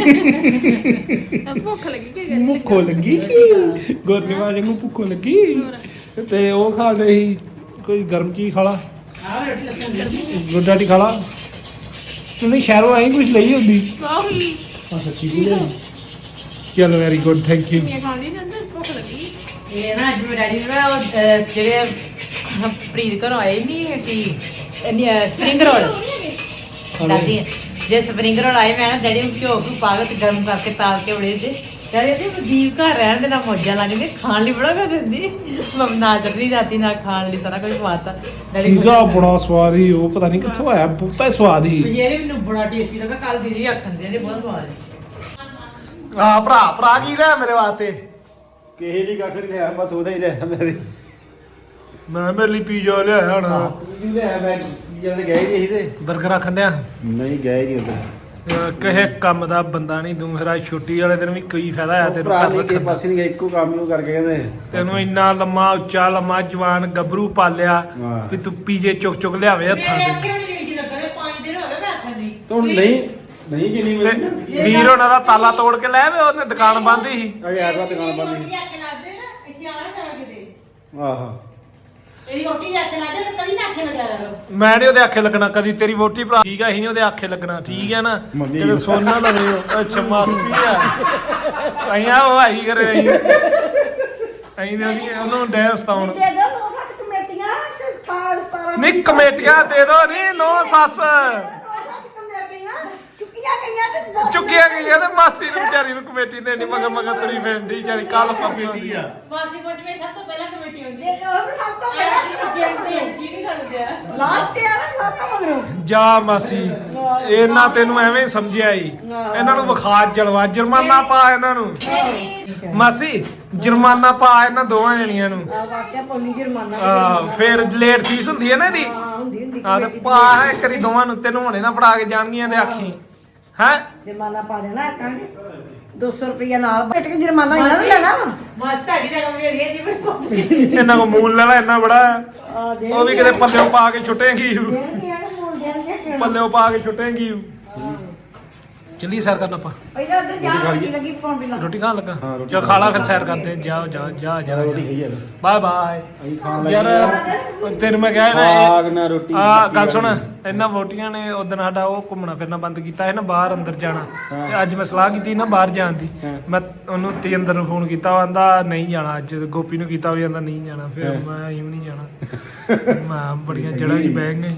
ਭੁੱਖ ਲੱਗੀ ਕਿ
ਭੁੱਖੋ ਲੱਗੀ ਗੁਰਨਿਵਾਜ ਨੂੰ ਭੁੱਖੋ ਲੱਗੀ ਤੇ ਉਹ ਖਾ ਲਏ ਸੀ ਕੋਈ ਗਰਮ ਚੀਜ਼ ਖਾ ਲਾ ਗੁੱਡਾਟੀ ਖਾ ਲਾ ਤੁਸੀਂ ਸ਼ਹਿਰੋਂ ਆਏ ਕੁਝ ਲਈ ਹੁੰਦੀ ਆ ਸੱਚੀ ਵੀ ਲੈ ਚਲੋ ਵੈਰੀ ਗੁੱਡ ਥੈਂਕ ਯੂ
ਖਾਣੀ ਨਾ ਭੁੱਖ ਲੱਗੀ
ਇਹ ਨਾ ਅੱਜ ਮੇਰੇ ਡੈਡੀ ਨੇ ਨਾ ਉਹ ਜਿਹੜੇ ਪ੍ਰੀਤ ਘਰੋਂ ਆਏ ਨਹੀਂ ਕਿ ਸਪਰਿੰਗ ਰੋਲ ਦਾਦੀ ਜੇ ਸਪਰਿੰਗ ਰੋਲ ਆਏ ਮੈਂ ਨਾ ਡੈਡੀ ਨੂੰ ਘਿਓ ਨੂੰ ਪਾ ਕੇ ਤੇ ਗਰਮ ਕਰਕੇ ਤਾਲ ਕੇ ਬੜੇ ਤੇ ਡੈਡੀ ਤੇ ਵਦੀਪ ਘਰ ਰਹਿਣ ਦੇ ਨਾ ਮੌਜਾਂ ਲੱਗਦੇ ਖਾਣ ਲਈ ਬੜਾ ਕਰ ਦਿੰਦੀ ਮੰਮੀ ਨਾ ਚੱਲੀ ਰਾਤੀ ਨਾ ਖਾਣ ਲਈ ਸਾਰਾ ਕੁਝ ਖਵਾਤਾ ਡੈਡੀ
ਪੀਜ਼ਾ ਬੜਾ ਸਵਾਦ ਹੀ ਉਹ ਪਤਾ ਨਹੀਂ ਕਿੱਥੋਂ ਆਇਆ ਬਹੁਤਾ ਹੀ ਸਵਾਦ ਹੀ
ਇਹ ਮੈਨੂੰ ਬੜਾ ਟੇਸਟੀ ਲੱਗਾ ਕੱਲ ਦੀਦੀ ਆਖਣ ਦੇ ਬਹੁਤ ਸਵਾਦ ਹੈ
ਆ ਭਰਾ ਕੀ ਲੈ ਮੇਰੇ ਵਾਸਤੇ
ਕਿਸੇ ਦੀ ਕੱਖ ਨਹੀਂ ਲਿਆ ਬਸ ਉਹਦਾ ਹੀ ਲਿਆ ਮੇਰੇ
ਮੈਂ ਮੇਰੇ ਲਈ ਪੀਜ਼ਾ ਲਿਆਇਆ ਹਣ
ਵੀ ਲਿਆ ਮੈਂ ਜਦ ਗਏ ਨਹੀਂ ਤੇ
ਬਰਗਰ ਆਖਣ ਡਿਆ
ਨਹੀਂ ਗਏ ਨਹੀਂ ਉਧਰ
ਕਹੇ ਕੰਮ ਦਾ ਬੰਦਾ ਨਹੀਂ ਤੂੰ ਫਿਰ ਛੁੱਟੀ ਵਾਲੇ ਦਿਨ ਵੀ ਕੋਈ ਫਾਇਦਾ ਆ ਤੈਨੂੰ
ਭਰਾ
ਘਰ
ਨਹੀਂ ਕਿਸੇ
ਰੱਖਣ ਦਾ।
ਪਾਸੇ ਨਹੀਂ ਗਏ ਇੱਕੋ ਕੰਮ ਹੀ ਉਹ ਕਰਕੇ ਕਹਿੰਦੇ
ਤੈਨੂੰ ਇੰਨਾ ਲੰਮਾ ਉੱਚਾ ਲੰਮਾ ਜਵਾਨ ਗੱਭਰੂ ਪਾਲਿਆ
ਹਾਂ।
ਵੀ ਤੂੰ ਪੀਜੇ ਚੁੱਕ ਚੁੱਕ ਲਿਆਵੇ ਹੱਥਾਂ
ਮੇਰੇ
ਤੇ
ਅੱਖੇ ਵੀ ਨਹੀਂ ਲੱਗਾ 5 ਦਿਨ ਹੋ ਗਏ ਮੈਂ ਆਖਣ ਦੀ
ਤਾਂ ਹੁਣ ਨਹੀਂ ਕਿੰਨੀ
ਤੇ
ਮਿਲਦੀ
ਵੀਰ ਉਹਨਾਂ ਦਾ ਤਾਲਾ ਤੋੜ ਕੇ ਲੈ ਵੇ ਉਹਨੇ ਦੁਕਾਨ ਬੰਦ ਹੀ ਸੀ
ਅਜੇ ਐਤਵਾਰ ਦੁਕਾਨ ਬੰਦ
ਰੋਟੀ
ਨਹੀਂ
ਆ ਕੇ ਲਾ ਦੇ ਨਾ ਇੱਥੇ ਆਣਾ ਜਾਣਾ ਕਿਤੇ
ਆਹਾ
ਇਹਦੀ ਰੋਟੀ ਆ ਕੇ ਲਾ ਦੇ ਤੇ ਕਦੀ ਨਾ ਆਖੇ ਲਗਾਇਆ ਕਰੋ
ਮੈਂ ਨੀ ਉਹਦੇ ਆਖੇ ਲੱਗਣਾ ਕਦੀ ਤੇਰੀ ਵੋਟੀ ਭਰਾ ਠੀਕ ਆ ਅਸੀਂ ਨੀ ਉਹਦੇ ਆਖੇ ਲੱਗਣਾ ਠੀਕ ਹੈ ਨਾ
ਮੰਮੀ
ਕਿਤੇ ਸੋਨਾ ਲਵੇ ਉਹ। ਅੱਛਾ ਮਾਸੀ ਆ ਅਈਆਂ ਉਹ ਆਈ ਕਰੇ ਅਸੀਂ ਨੇ ਉਹਨੂੰ ਡੈਸ ਤਾਉਣ
ਦੇ ਦੋ ਨੋ ਸੱਤ ਕਮੇਟੀਆਂ ਸਰਪਾਲ ਸਤਾਰਾ
ਨਹੀਂ ਕਮੇਟੀਆਂ ਦੇ ਦੋ ਨਹੀਂ ਨੋ ਸੱਸ
ਕਮੇਟੀਆਂ ਚੁੱਕੀਆਂ ਗਈਆਂ ਤੇ ਦੋ
ਚੁੱਕੀਆਂ ਗਈਆਂ ਤੇ ਮਾਸੀ ਨੂੰ ਵਿਚਾਰੀ ਨੂੰ ਕਮੇਟੀ ਦੇਣੀ ਮਗਰ ਮਗਰ ਤੁਰੀ ਫੈਂਡੀ ਵਿਚਾਰੀ ਕੱਲ ਪਰਸੋਂ ਦੀ
ਆ
ਮਾਸੀ ਪੁੱਛ ਮੈਂ ਸਭ ਤੋਂ ਪਹਿਲਾਂ ਕਮੇਟੀ ਹੁੰਦੀ
ਦੇ ਦੋ ਸਭ ਤੋਂ
ਹੈ
ਪਹਿਲਾਂ
ਜੀ ਨਹੀਂ ਕਰਦੇ ਆ
ਲਾਸਟ ਤੇ ਆ ਨਾ ਸਭ ਤੋਂ ਮਗਰੋਂ
ਜਾ ਮਾਸੀ ਇਹਨਾਂ ਤੈਨੂੰ ਐਵੇਂ ਹੀ ਸਮਝਿਆ ਈ ਇਹਨਾਂ ਨੂੰ ਵਿਖਾ ਜਲਵਾ ਜੁਰਮਾਨਾ ਪਾ ਇਹਨਾਂ ਨੂੰ ਮਾਸੀ ਜੁਰਮਾਨਾ ਪਾ ਇਹਨਾਂ ਦੋਵਾਂ ਜਣੀਆਂ ਨੂੰ
ਆ ਵਾਕਿਆ ਪੌਣੀ ਜੁਰਮਾਨਾ
ਫਿਰ ਲੇਟ ਫੀਸ ਹੁੰਦੀ ਹੈ ਨਾ ਇਹਦੀ
ਹੁੰਦੀ
ਆ ਤੇ ਪਾ ਇੱਕ ਵਾਰੀ ਦੋਵਾਂ ਨੂੰ ਤੈਨੂੰ ਹੁਣੇ ਨਾ ਫੜਾ ਕੇ ਜਾਣਗੀਆਂ ਤੇ ਆਖੀ ਹੈ
ਜੁਰਮਾਨਾ ਪਾ ਦੇਣਾ ਕਾਂਗੇ 200 ਰੁਪਇਆ ਨਾਲ ਬੈਠ ਕੇ ਜੁਰਮਾਨਾ ਇਹਨਾਂ ਨੂੰ ਲੈਣਾ ਵਾ
ਮਾਸੀ ਤੁਹਾਡੀ ਰਕਮ ਦੇ ਰਹੀ ਹੈ ਜੀ ਬੜੀ
ਇਹਨਾਂ ਕੋ ਮੂਲ ਲੈ ਲੈ ਇੰਨਾ ਬੜਾ ਹੈ।
ਆ ਦੇ
ਉਹ ਵੀ ਕਿਤੇ ਪੱਲਿਓ ਪਾ ਕੇ ਛੁੱਟੇਗੀ
ਦੇਣਗੇ ਮੂਲ ਦੇਣਗੇ
ਪੱਲਿਓ ਪਾ ਕੇ ਛੁੱਟੇਗੀ ਚੱਲੀ ਸੈਰ ਕਰਨ ਆਪਾਂ
ਪਹਿਲਾਂ ਉਧਰ ਜਾ ਰੋਟੀ ਲੱਗੀ ਪਕਾਉਣ ਬਿਲਾ
ਰੋਟੀ ਖਾਣ ਲੱਗਾ ਚਲ ਖਾ ਲਾ ਫਿਰ ਸੈਰ ਕਰਦੇ ਜਾਓ ਜਾ
ਰੋਟੀ ਖਾਈ ਜਾਂਦਾ
ਬਾਏ ਬਾਏ
ਅਸੀਂ ਖਾਣ ਲੱਗੇ
ਯਾਰ ਤੈਨੂੰ ਮੈਂ ਕਿਹਾ
ਸਾਗ
ਨਾ
ਨਾ ਰੋਟੀ
ਆ ਗੱਲ ਸੁਣ ਇਹਨਾਂ ਵੋਟੀਆਂ ਨੇ ਉਦੋਂ ਸਾਡਾ ਉਹ ਘੁੰਮਣਾ ਫਿਰਨਾ ਬੰਦ ਕੀਤਾ ਹੈ ਨਾ ਬਾਹਰ ਅੰਦਰ ਜਾਣਾ ਤੇ ਅੱਜ ਮੈਂ ਸਲਾਹ ਕੀਤੀ ਨਾ ਬਾਹਰ ਜਾਣ ਦੀ ਮੈਂ ਉਹਨੂੰ ਤੇਂਦਰ ਨੂੰ ਫੋਨ ਕੀਤਾ ਉਹ ਆਂਦਾ ਨਹੀਂ ਜਾਣਾ ਅੱਜ ਗੋਪੀ ਨੂੰ ਕੀਤਾ ਉਹ ਆਂਦਾ ਨਹੀਂ ਜਾਣਾ ਫਿਰ ਮੈਂ ਹੀ ਨਹੀਂ ਜਾਣਾ ਮੈਂ ਬੜੀਆਂ ਜੜ੍ਹਾਂ 'ਚ ਬਹਿ ਗਏ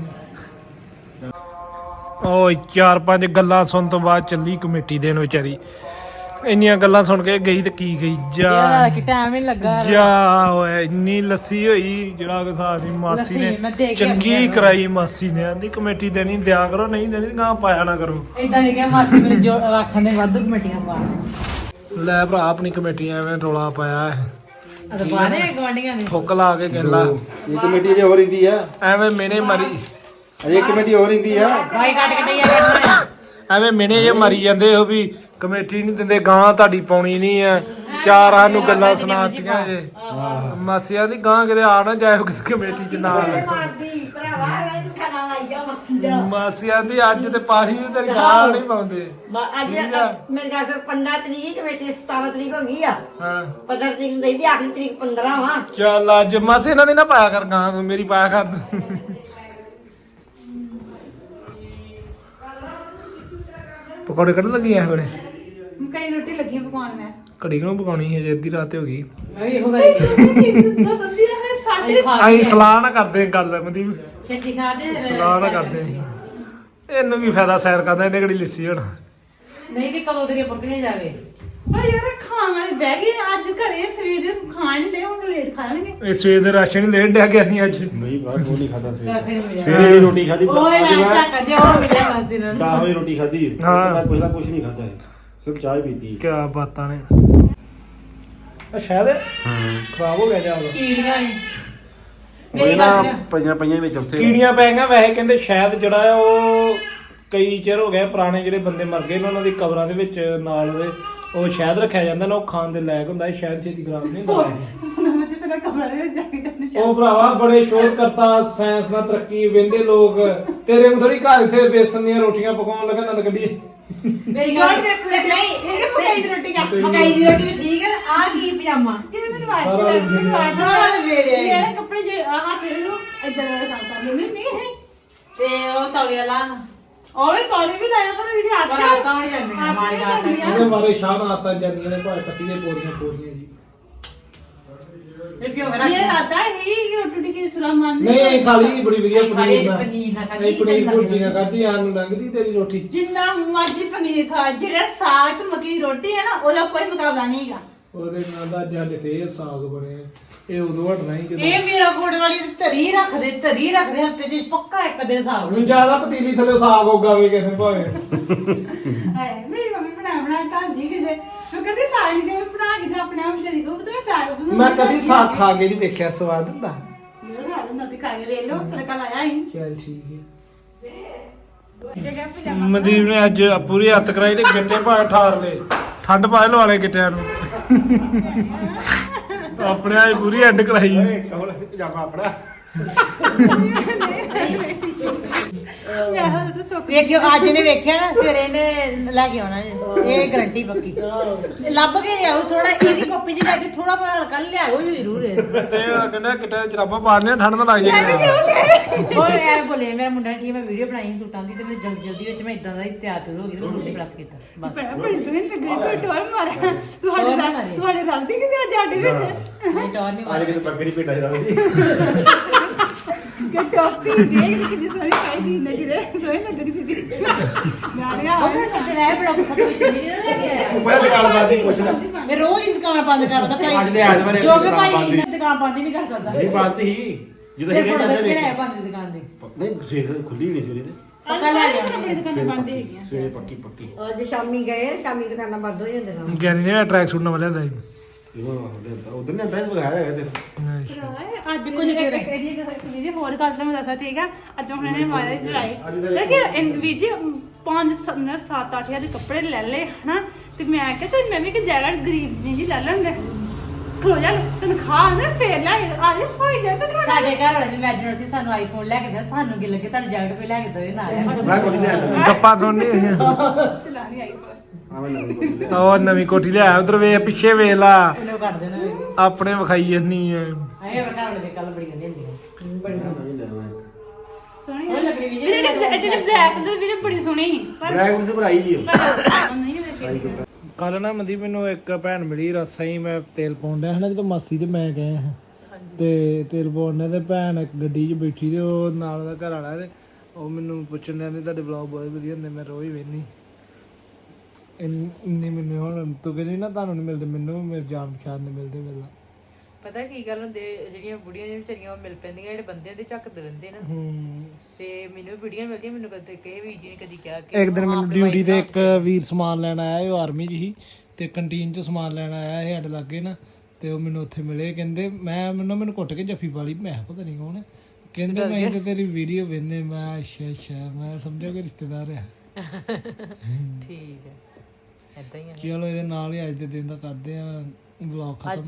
ਉਹ 4-5 ਗੱਲਾਂ ਸੁਣ ਤੋਂ ਬਾਅਦ ਚੱਲੀ ਕਮੇਟੀ ਦੇਣ ਵਿਚਾਰੀ ਇੰਨੀਆਂ ਗੱਲਾਂ ਸੁਣ ਕੇ ਗਈ ਤੇ ਕੀ ਗਈ ਜਾ
ਕਿ ਟਾਈਮ ਹੀ ਲੱਗਾ
ਜਾ ਓਏ ਇੰਨੀ ਲੱਸੀ ਹੋਈ ਜਿਹੜਾ ਕਿ ਸਾਡੀ ਮਾਸੀ
ਲੱਸੀ ਮੈਂ ਦੇ
ਨੇ
ਕੇ
ਚੰਗੀ
ਆਉਂਦੀ ਆ।
ਕਰਾਈ ਮਾਸੀ ਨੇ ਆਂਦੀ ਕਮੇਟੀ ਦੇਣੀ ਦਿਆ ਕਰੋ ਨਹੀਂ ਦੇਣੀ ਗਾਂ ਪਾਇਆ ਨਾ ਕਰੋ
ਇਦਾਂ ਨਹੀਂ ਕਿ ਮਾਸੀ ਮੇਰੇ ਜੋ ਆਖਣ ਦੇ ਵੱਧ ਕਮੇਟੀਆਂ ਪਾ
ਲੈ ਭਰਾ ਆਪਣੀ ਕਮੇਟੀ ਐਵੇਂ ਰੌਲਾ ਪਾਇਆ ਹੈ
ਅਦ ਪਾਣੇ ਗਵਾਂਡੀਆਂ ਨੇ
ਫੁੱਕ ਲਾ ਕੇ ਗੱਲਾਂ
ਇਹ ਕਮੇਟੀ ਅਜੇ ਹੋ ਰਹਿੰਦੀ ਆ
ਐਵੇਂ ਮੈਨੇ ਮਰੀ
ਅਜੇ ਕਮੇਟੀ ਹੋ ਰਹਿੰਦੀ ਆ
ਭਾਈ ਕੱਟ ਕਟਈਆ ਕਰਨਾ
ਐਵੇਂ ਮੈਨੇ ਜੇ ਮਰੀ ਜਾਂਦੇ ਹੋ ਵੀ ਕਮੇਟੀ ਨਹੀਂ ਦਿੰਦੇ ਗਾਂ ਤੁਹਾਡੀ ਪਾਉਣੀ ਨਹੀਂ ਆ ਚਾਰਾਂ ਨੂੰ ਗੱਲਾਂ ਸੁਣਾਤੀਆਂ ਜੇ ਮਾਸੀਆਂ ਦੀ ਗਾਂ ਕਿਤੇ ਆ ਨਾ ਜਾਏ ਕਿਤੇ ਕਮੇਟੀ ਚ ਨਾ
ਮਾਰਦੀ ਭਰਾਵਾ ਮੈਂ ਤੂੰ ਖਾਣਾ ਲਾਈ ਜਾ ਮਕਸੀ ਦਾ
ਮਾਸੀਆਂ ਦੀ ਅੱਜ ਤੇ ਪਾਣੀ ਵੀ ਤੇਰੀ ਗਾਂ ਨਹੀਂ ਪਾਉਂਦੇ
ਅੱਜ ਮੇਰੇ ਘਰ ਸੇ 15 ਤਰੀਕ ਕਮੇਟੀ 17 ਤਰੀਕ ਹੋ ਗਈ ਆ
ਹਾਂ
15 ਤਰੀਕ ਨੂੰ ਦੇਈ ਦੀ ਆਖਰੀ ਤਰੀਕ 15 ਵਾ
ਚੱਲ ਅੱਜ ਮਾਸੀ ਇਹਨਾਂ ਦੀ ਨਾ ਪਾਇਆ ਕਰ ਗਾਂ ਤੂੰ ਮੇਰੀ ਪਾਇਆ ਕਰ ਤੂੰ ਪਕੌੜੇ ਕੱਢ ਲੱਗੀ ਐ ਵੇਲੇ
ਕਈ ਰੋਟੀ ਲੱਗੀਆਂ ਪਕਾਉਣ ਮੈਂ
ਘੜੀ ਨੂੰ ਪਕਾਉਣੀ ਹੈ ਜੇ ਅੱਧੀ ਰਾਤ ਹੋ ਗਈ
ਮੈਂ ਵੀ ਇਹੋ ਗੱਲ ਕੀਤੀ
ਦੱਸ ਦੀ ਮੈਂ ਸਾਡੇ
ਅਸੀਂ ਸਲਾਹ ਨਾ ਕਰਦੇ ਗੱਲ ਮਨਦੀਪ
ਛੇਤੀ ਖਾ ਦੇ
ਸਲਾਹ ਨਾ ਕਰਦੇ ਅਸੀਂ ਇਹਨੂੰ ਕੀ ਫਾਇਦਾ ਸੈਰ ਕਰਦਾ ਇਹਨੇ ਕਿਹੜੀ ਲਿੱਸੀ ਹੋਣਾ
ਨਹੀਂ ਤੇ ਕਦੋਂ ਤੇਰੀਆਂ ਪੱਕੀਆਂ ਜਾਵੇ
ਭਾਈ ਯਾਰ ਖਾਣਾ ਬਹਿ ਗਏ ਅੱਜ ਘਰੇ ਸਵੇਰ ਦੇ ਖਾਣ ਨਹੀਂ ਦੇ ਹੁਣ ਲੇਟ ਖਾ ਲੈਣਗੇ
ਇਹ ਸਵੇਰ ਦੇ ਰਾਸ਼ਨ ਲੈ ਡਿਆ ਗਿਆ ਨਹੀਂ ਅੱਜ
ਨਹੀਂ ਬਾਹਰ ਉਹ ਨਹੀਂ ਖਾਦਾ ਸਵੇਰੇ
ਫਿਰ ਮਿਲਿਆ
ਸਵੇਰੇ ਵੀ ਰੋਟੀ ਖਾਦੀ
ਓਏ ਨਾ ਚੱਕ ਜੇ ਉਹ ਮਿਲਿਆ ਬਸ ਦਿਨ
10 ਵਜੇ ਰੋਟੀ ਖਾਦੀ
ਹਾਂ।
ਕੁਛ ਨਹੀਂ ਖਾਦਾ ਸਿਰਫ ਚਾਹ ਹੀ ਪੀਤੀ
ਕੀ ਬਾਤਾਂ ਨੇ ਆ ਸ਼ਾਇਦ ਖਰਾਬ ਹੋ ਗਿਆ ਜਾਂ
ਕੀੜੀਆਂ ਹੀ
ਮੇਰੇ ਨਾਲ ਪਈਆਂ ਵਿੱਚ ਉੱਥੇ
ਕੀੜੀਆਂ ਪੈ ਗਈਆਂ ਵੈਸੇ ਕਹਿੰਦੇ ਸ਼ਾਇਦ ਜਿਹੜਾ ਆ ਉਹ ਕਈ ਚਿਰ ਹੋ ਗਿਆ ਪੁਰਾਣੇ ਜਿਹੜੇ ਬੰਦੇ ਮਰ ਗਏ ਨੇ ਉਹਨਾਂ ਦੀ ਕਬਰਾਂ ਦੇ ਵਿੱਚ ਨਾਲ ਉਹਦੇ ਉਹ ਸ਼ਾਇਦ ਰੱਖਿਆ ਜਾਂਦਾ ਨਾ ਉਹ ਖਾਣ ਦੇ ਲਾਇਕ ਹੁੰਦਾ ਇਹ ਸ਼ਾਇਦ ਛੇਤੀ ਖਰਾਬ ਨਹੀਂ ਹੁੰਦਾ
ਉਹਨਾਂ ਵਿੱਚ ਫਿਰ ਕਹਿੰਦਾ ਕਮਰੇ ਦੇ ਵਿੱਚ ਜਾ ਕੇ ਤੈਨੂੰ
ਉਹ ਭਰਾਵਾ ਬੜੇ ਸ਼ੋਧ ਕਰਤਾ ਸਾਇੰਸ ਨਾਲ ਤਰੱਕੀ ਵੇਂਦੇ ਲੋਕ ਤੇਰੇ ਨੂੰ ਥੋੜੀ ਘਰ ਇੱਥੇ ਬੇਸਨ ਦੀਆਂ ਰੋਟੀਆਂ ਪਕਾਉਣ ਲੱਗਾ ਨੰਦ ਕੱਢੀ
ਮੇਰੀ ਗੱਲ ਨਹੀਂ ਇਹ ਮਕਾਈ ਦੀ ਰੋਟੀ ਕਾ
ਮਕਾਈ ਦੀ ਰੋਟੀ ਵੀ ਠੀਕ ਹੈ ਆ ਕੀ ਪਜਾਮਾ
ਜਿਵੇਂ ਮੈਨੂੰ
ਸਾਰਾ ਵੇੜੇ
ਮੇਰੇ ਕੱਪੜੇ ਜਿਹੜੇ ਆਹ ਤੇਰੇ ਨੂੰ ਇਦਾਂ ਦਾ ਸਾਫ ਕਰ ਨਹੀਂ
ਤੇ ਉਹ ਤੌਲੀਆ ਲਾ
ਉਹ ਵੀ ਤੋਲੀ ਵੀ ਲਾਇਆ ਪਰ ਵੀ ਹੱਥ
ਪਰ ਆਤਾਂ ਨਹੀਂ ਜਾਂਦੀਆਂ ਮਾਰ ਗਾਤਾ
ਇਹਦੇ ਮਾਰੇ ਸ਼ਾਹ ਨਾਲ ਆਤਾ ਜਾਂਦੀਆਂ ਨੇ ਭਾਵੇਂ ਕੱਟੀ ਦੇ ਪੋਰੀਆਂ ਜੀ
ਇਹ ਕਿਉਂ
ਇਹ ਆਤਾ ਹੀ ਕਿ ਰੋਟੀ ਕੀ ਸੁਲਾਮਾਨ
ਨਹੀਂ ਇਹ ਖਾਲੀ ਬੜੀ ਵਧੀਆ ਪਨੀਰ ਨਾਲ
ਪਨੀਰ ਨਾਲ ਖਾਧੀ,
ਨਹੀਂ ਪਨੀਰ ਭੁਰਜੀ ਨਾਲ ਖਾਧੀ ਆਨ ਨੂੰ ਲੰਘਦੀ ਤੇਰੀ ਰੋਟੀ
ਜਿੰਨਾ ਮਰਜ਼ੀ ਪਨੀਰ ਖਾ ਜਿਹੜਾ ਸਾਗ ਤੇ ਮੱਕੀ ਦੀ ਰੋਟੀ ਹੈ ਨਾ ਉਹਦਾ ਕੋਈ ਮੁਕਾਬਲਾ ਨਹੀਂ ਹੈਗਾ
ਉਹਦੇ ਨਾਲ ਦਾ ਅੱਜ ਫੇਰ ਸਾਗ ਬਣੇ ਇਹ ਉਦੋਂ ਹਟਣਾ ਹੀ ਕਿਤੇ
ਇਹ ਮੇਰਾ ਕੋਟ ਵਾਲੀ ਧਰੀ ਰੱਖਦੇ ਹਫਤੇ ਚ ਪੱਕਾ ਇੱਕ ਦਿਨ ਸਾਗ
ਹੁਣ ਜਿਆਦਾ ਪਤੀਲੀ ਥੱਲੇ ਸਾਗ ਉਗਾਵੇ ਕਿਸੇ ਭਾਵੇਂ
ਹਾਏ ਮੇਰੀ ਮੰਮੀ ਬਣਾ ਘਰ ਜੀ ਕਿਤੇ ਮੈਂ ਕਦੇ ਸਾਗ ਨਹੀਂ ਕਦੇ ਬਣਾ ਕੇ ਆਪਣੇ ਆਪ ਚਲੀ ਗੋ ਤੂੰ ਸਾਗ ਬਣਾ
ਮੈਂ ਕਦੀ ਸਾਗ ਖਾ ਕੇ ਨਹੀਂ ਵੇਖਿਆ ਸਵਾਦ ਹੁੰਦਾ
ਮੇਰਾ ਸਾਗ ਨਾ ਤੇ ਖਾ ਕੇ ਵੇਖ ਲੋ ਤੜਕਾ ਲਾਇਆ ਹੀ
ਚੱਲ ਠੀਕ ਹੈ
ਇਹ ਗਿਆ ਪਜਾਮਾ
ਮਨਦੀਪ ਨੇ ਅੱਜ ਪੂਰੀ ਹੱਥ ਕਰਾਈ ਤੇ ਗਿੱਟੇ ਭਾਵੇਂ ਠਾਰ ਲਏ ਠੰਡ ਭਾਵੇਂ ਲਵਾ ਲਏ ਗਿੱਟਿਆਂ ਨੂੰ ਆਪਣੇ ਆਏ ਪੂਰੀ ਐਡ ਕਰਾਈ
ਕਹੋ ਪਜਾਮਾ ਆਪਣਾ
ਯਾਰ ਤਾਂ ਸੁੱਕ
ਵੇਖਿਓ ਅੱਜ ਨੇ ਵੇਖਿਆ ਨਾ ਸਵੇਰੇ ਇਹਨੇ ਲੈ ਕੇ ਆਉਣਾ ਜੀ ਇਹ ਗਰੰਟੀ ਪੱਕੀ ਲੱਭ ਕੇ ਲਿਆਓ ਥੋੜਾ ਇਹਦੀ ਕਾਪੀ ਚ ਲੈ ਕੇ ਥੋੜਾ ਜਿਹਾ ਹਲਕਾ ਲਿਆਓ ਜ਼ਰੂਰ
ਇਹ ਕਹਿੰਦਾ ਗਿੱਟੇ ਜਰਾਬਾਂ ਪਾੜਨੇ ਠੰਡ ਤਾਂ ਲੱਗ ਜਾਏਗੀ
ਉਹ ਐ ਬੋਲੇ ਮੇਰਾ ਮੁੰਡਾ ਠੀਕ ਮੈਂ ਵੀਡੀਓ ਬਣਾਈ ਸੂਟਾਂ ਦੀ ਤੇ ਮੈਂ ਜਲਦੀ ਵਿੱਚ ਮੈਂ ਇਦਾਂ ਦਾ ਹੀ ਤਿਆਰ ਹੋ ਗਈ ਤੇ ਮੈਂ ਸੂਟ ਪ੍ਰੈਸ ਕੀਤਾ ਬਸ
ਬੜੀ ਸੋਹਣੀ ਲੱਗ ਰਹੀ ਤੂੰ ਟੋਰ ਮਾਰਿਆ ਤੁਹਾਡੇ ਰਲਦੀ ਕਿਤੇ ਅੱਜ ਸਾਡੇ ਵਿੱਚ
ਨਹੀਂ ਟੌਰ ਨਹੀਂ
ਅੱਜ ਕਿਤੇ ਬੱਗਰੀ ਪੇਟਾ ਜਰਾ ਦੀ
ਕਿ ਟੋਪੀ ਦੇਖ ਕਿੰਨੀ ਸੋਹਣੀ ਪਾਈ ਦੀ ਨਗੀ ਦੇ ਸੋਹਣੀ ਲੱਗਦੀ ਸੀ ਗਾੜੀਆਂ
ਉਹ ਸੱਚ ਲੈ ਬੜਾ ਖਤਮ ਵਿੱਚ ਨਹੀਂ ਲੈ ਕੇ ਆਇਆ
ਪਹਿਲੇ ਦੁਕਾਨ ਬਾਦੀ ਪੁੱਛਦਾ
ਮੈਂ ਰੋਜ਼ ਹੀ ਦੁਕਾਨ ਬੰਦ ਕਰਦਾ
ਅੱਜ ਦੇ ਅੱਜ ਬਾਰੇ
ਜੋ ਕਿ ਭਾਈ ਦੁਕਾਨ ਬੰਦ ਹੀ ਨਹੀਂ ਕਰ ਸਕਦਾ
ਨਹੀਂ ਬਾਤ ਹੀ ਜਦੋਂ
ਸਿਰਫ
ਇਹ
ਫੋਟੋ
ਜਾਂਦੇ
ਖਿੱਚ ਕੇ ਲੈ ਬੰਦ ਦੁਕਾਨ ਦੇ
ਨਹੀਂ ਸਵੇਰ ਖੁੱਲੀ ਨਹੀਂ ਸਵੇਰੇ ਤੇ
ਪੱਕਾ ਲੈ ਲਿਆ
ਆਪਣੀ ਦੁਕਾਨਾਂ ਬੰਦ ਹੈਗੀਆਂ
ਸਵੇਰੇ ਪੱਕੀ ਪੱਕੀ
ਅੱਜ ਸ਼ਾਮੀ ਗਏ ਸ਼ਾਮੀ ਦੁਕਾਨਾਂ ਬੰਦ ਹੋ ਜਾਂਦੀਆਂ
ਗਿਆਨੀ ਨੇ ਟਰੈਕ ਸੂਟ ਨਵਾਂ ਲਿਆਂਦਾ ਸੀ
ਉਧਰ ਨੇ ਬੈਸ ਬਗਾਇਆ ਹੈਗਾ ਤੇ
ਅੱਜ ਕੁਝ ਇਹਦੀ ਹੋਰ ਗੱਲ ਤਾਂ ਮੈਂ ਦੱਸਾਂ ਠੀਕ ਆ ਅੱਜ ਹੁਣ ਇਹਨੇ ਮਾਰਿਆ ਲੜਾਈ ਲੇਕਿਨ ਵੀਰ ਜੀ 7-8 ਦੇ ਕੱਪੜੇ ਲੈ ਲਏ ਹਨਾ ਤੇ ਮੈਂ ਕਿਹਾ ਤੇ ਮੈਂ ਵੀ ਕਿ ਜੈਕਟ ਗਰੀਬ ਜੀ ਲੈ ਲੈਂਦੇ ਖਲੋ ਜਾ ਤਨਖਾਹ ਨਾ ਫੇਰ ਲੈ ਆ ਜਾ ਹੋਈ ਜਾ ਤਨਖਾਹ
ਸਾਡੇ ਘਰ ਵਾਲੇ ਨੇ ਮੈਜਰ ਸੀ ਸਾਨੂੰ ਆਈਫੋਨ ਲੈ ਕੇ ਦੇ ਸਾਨੂੰ ਕੀ ਲੱਗੇ ਤੁਹਾਨੂੰ ਜੈਕਟ ਕੋਈ ਲੈ ਕੇ ਦੇਵੇ ਨਾਲ
ਮੈਂ ਕੋਈ ਨਹੀਂ
ਗੱਪਾਂ ਸੁਣਨੀ
ਚਲਾਣੀ ਆਈ ਪਰ
ਆਵੇਂ ਨਾ
ਉਹ ਨਵੀਂ ਕੋਠੀ ਲਿਆ ਉਧਰ ਵੇ ਪਿੱਛੇ ਵੇਖ ਲਾ
ਇਹਨੂੰ ਕੱਢ ਦੇਣਾ
ਆਪਣੇ ਵਿਖਾਈ ਜੰਨੀ ਐ
ਆਏ ਘਰ ਵਾਲੇ ਦੇ ਕੱਲ ਬੜੀ ਗੰਦੀ ਹੁੰਦੀ ਬੜੀ
ਸੋਹਣੀ
ਸੋਹਣੀ ਲੱਗਣੀ ਵੀ
ਜਿਹੜੇ ਬਲੈਕ ਦੇ ਵੀਰੇ ਬੜੀ ਸੋਹਣੀ ਸੀ ਪਰ
ਬਲੈਕ ਨੂੰ ਭਰਾਈ ਜੀ
ਨਹੀਂ ਵੇਖੀ
ਕੱਲ ਨਾ ਮਨਦੀਪ ਮੈਨੂੰ ਇੱਕ ਭੈਣ ਮਿਲੀ ਰਸਾ ਹੀ ਮੈਂ ਤੇਲ ਪਾਉਣ ਡਿਆ ਹਨਾ ਜਦੋਂ ਮਾਸੀ ਤੇ ਮੈਂ ਗਏ ਹਾਂ ਤੇ ਤੇਲ ਪਾਉਣ ਤੇ ਭੈਣ ਇੱਕ ਗੱਡੀ 'ਚ ਬੈਠੀ ਤੇ ਉਹ ਨਾਲ ਉਹਦਾ ਘਰ ਵਾਲਾ ਤੇ ਉਹ ਮੈਨੂੰ ਪੁੱਛਣ ਡਿਆ ਤੁਹਾਡੇ ਵਲੌਗ ਬਹੁਤ ਵਧੀਆ ਹੁੰਦੇ ਮੈਂ ਰੋਜ਼ ਵੇਖਨੀ ਇੰਨੇ ਮੈਨੂੰ ਹੁਣ ਤੂੰ ਕਹਿੰਦੀ ਨਾ ਤੁਹਾਨੂੰ ਨਹੀਂ ਮਿਲਦੇ ਮੈਨੂੰ ਮੇਰੇ ਜਾਣ ਪਛਾਣ ਦੇ ਮਿਲਦੇ ਮਿਲਦਾ
ਪਤਾ ਕੀ ਗੱਲ ਹੁੰਦੀ ਜਿਹੜੀਆਂ ਬੁੜੀਆਂ ਜਿਹੜੀਆਂ ਵਿਚਾਰੀਆਂ ਮਿਲ ਪੈਂਦੀਆਂ ਜਿਹੜੇ ਬੰਦਿਆਂ ਦੇ ਝੱਕਦੇ ਰਹਿੰਦੇ ਨਾ ਤੇ ਮੈਨੂੰ ਵੀਡੀਓ ਮਿਲਦੀਆਂ ਮੈਨੂੰ ਕਦੇ ਕਿਸੇ ਵੀਰ ਜੀ ਨੇ ਕਦੀ ਕਿਹਾ ਕਿ
ਇੱਕ ਦਿਨ ਮੈਨੂੰ ਡਿਊਟੀ ਤੇ ਇੱਕ ਵੀਰ ਸਮਾਨ ਲੈਣ ਆਇਆ ਉਹ ਆਰਮੀ 'ਚ ਸੀ ਤੇ ਕੰਟੀਨ 'ਚ ਸਮਾਨ ਲੈਣ ਆਇਆ ਇਹ ਸਾਡੇ ਲਾਗੇ ਨਾ ਤੇ ਉਹ ਮੈਨੂੰ ਉੱਥੇ ਮਿਲੇ ਕਹਿੰਦੇ ਮੈਨੂੰ ਘੁੱਟ ਕੇ ਜੱਫੀ ਪਾ ਲਈ ਮੈਂ ਕਿਹਾ ਪਤਾ ਨਹੀਂ ਕੌਣ ਹੈ ਕਹਿੰਦੇ ਮੈਂ ਤੇ ਤੇਰੀ ਵੀਡੀਓ ਵੇਖਨੇ ਮੈਂ ਅੱਛਾ ਮੈਂ ਸਮਝਿਆ ਕਿ ਰਿਸ਼ਤੇਦਾਰ ਆ
ਠੀਕ ਹੈ ਏਦਾਂ ਹੀ ਆ
ਚਲੋ ਇਹਦੇ ਨਾਲ ਹੀ ਅੱਜ ਦੇ ਦਿਨ ਦਾ ਕਰਦੇ ਆ ਵਲੌਗ ਖਤਮ